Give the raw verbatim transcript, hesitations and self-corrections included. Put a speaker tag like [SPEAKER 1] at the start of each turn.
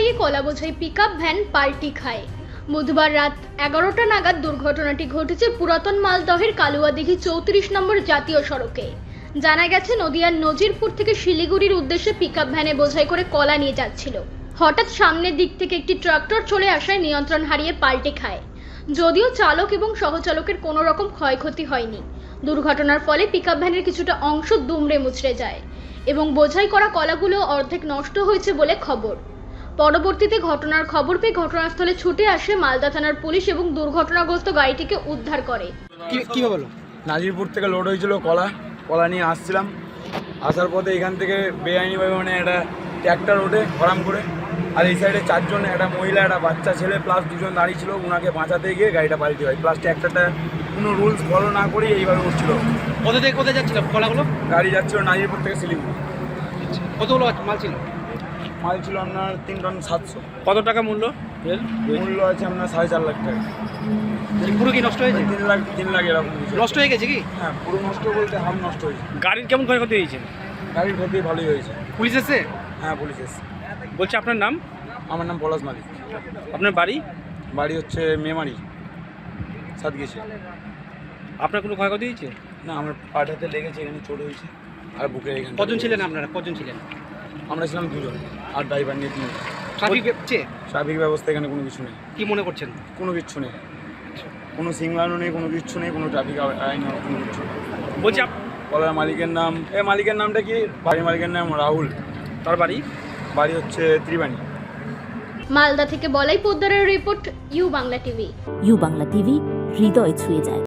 [SPEAKER 1] গিয়ে কলা বোঝাই পিকআপ ভ্যান পাল্টি খায়। বুধবার রাত এগারোটা নাগাদ দুর্ঘটনাটি ঘটেছে পুরাতন মালদহের কালুয়াদিঘি চৌত্রিশ নম্বর জাতীয় সড়কে। জানা গেছে, নদিয়ার নজিরপুর থেকে শিলিগুড়ির উদ্দেশ্যে পিকআপ ভ্যানে বোঝাই করে কলা নিয়ে যাচ্ছিল। হঠাৎ সামনের দিক থেকে একটি ট্রাক্টর চলে আসায় নিয়ন্ত্রণ হারিয়ে পাল্টে খায়। যদিও চালক এবং সহচালকের কোনো রকম ক্ষয়ক্ষতি হয়নি। দুর্ঘটনার ফলে পিকআপ ভ্যানের কিছুটা অংশ দুমড়ে মুচড়ে যায় এবং বোঝাই করা কলাগুলো অর্ধেক নষ্ট হয়েছে বলে খবর। পরবর্তীতে ঘটনার খবর পেয়ে ঘটনাস্থলে ছুটে আসে মালদা থানার পুলিশ এবং দুর্ঘটনাগ্রস্ত গাড়িটিকে উদ্ধার করে।
[SPEAKER 2] কি হলো?
[SPEAKER 3] নাজিরপুর থেকে লোড হয়েছিল কলা কলা নিয়ে আসছিলাম। আসার পথে এখান থেকে বেআইনিভাবে মানে একটা ট্র্যাক্টর ওঠে হরাম করে, আর এই সাইডে চারজন, একটা মহিলা, একটা বাচ্চা ছেলে প্লাস দুজন দাঁড়িয়ে ছিল। ওনাকে বাঁচাতে গিয়ে গাড়িটা পাল্টি হয়, প্লাস ট্র্যাক্টরটা কোনো রুলস ফলো না করে এইভাবে উঠছিল।
[SPEAKER 2] কোথা থেকে কোথায় যাচ্ছিল কলাগুলো?
[SPEAKER 3] গাড়ি যাচ্ছিল নাজিরপুর থেকে শিলিগুড়ি।
[SPEAKER 2] কতগুলো মাল ছিল?
[SPEAKER 3] মাল ছিল আপনার তিন টন সাতশো।
[SPEAKER 2] কত টাকা মূল্য?
[SPEAKER 3] মূল্য আছে আপনার সাড়ে চার লাখ টাকা।
[SPEAKER 2] পুরো কি নষ্ট হয়েছে?
[SPEAKER 3] তিন লাখ তিন লাখ এরকম
[SPEAKER 2] নষ্ট হয়ে গেছে কি?
[SPEAKER 3] হ্যাঁ, পুরো নষ্ট বলতে হাফ নষ্ট হয়েছে।
[SPEAKER 2] গাড়ির কেমন ক্ষয়ক্ষতি হয়েছে?
[SPEAKER 3] গাড়ির ক্ষতি ভালোই হয়েছে।
[SPEAKER 2] পুলিশ এসে?
[SPEAKER 3] হ্যাঁ, পুলিশ এসছে।
[SPEAKER 2] বলছে আপনার নাম?
[SPEAKER 3] আমার নাম পলাশ মালিক।
[SPEAKER 2] আপনার বাড়ি?
[SPEAKER 3] বাড়ি হচ্ছে মেমারি সাতগেছে।
[SPEAKER 2] আপনার কোনো ক্ষয়ক্ষতি হয়েছে?
[SPEAKER 3] না, আমার পাটাতে লেগেছে, এখানে চোট হয়েছে আর বুকের এখানে।
[SPEAKER 2] কজন ছিলেন আপনারা? কজন ছিলেন?
[SPEAKER 3] আমরা ছিলাম দুজন, আর ড্রাইভার নিয়ে তিন।
[SPEAKER 2] ট্রাফিক
[SPEAKER 3] ট্রাফিক ব্যবস্থা এখানে কোনো কিছু নেই।
[SPEAKER 2] কি মনে করছেন?
[SPEAKER 3] কোনো কিচ্ছু নেই, কোনো সিগন্যালও নেই, কোনো কিচ্ছু নেই, কোনো ট্রাফিক আইন কোনো কিছু নেই।
[SPEAKER 2] বলছি
[SPEAKER 3] কলার মালিকের নাম, এ মালিকের নামটা কি? বাড়ির মালিকের নাম রাহুল।
[SPEAKER 2] তার বাড়ি?
[SPEAKER 3] বাড়ি হচ্ছে ত্রিবাণী।
[SPEAKER 1] মালদা থেকে বলাই পোদ্দারের রিপোর্ট, U Bangla TV.
[SPEAKER 4] U Bangla TV হৃদয় ছুঁয়ে যায়।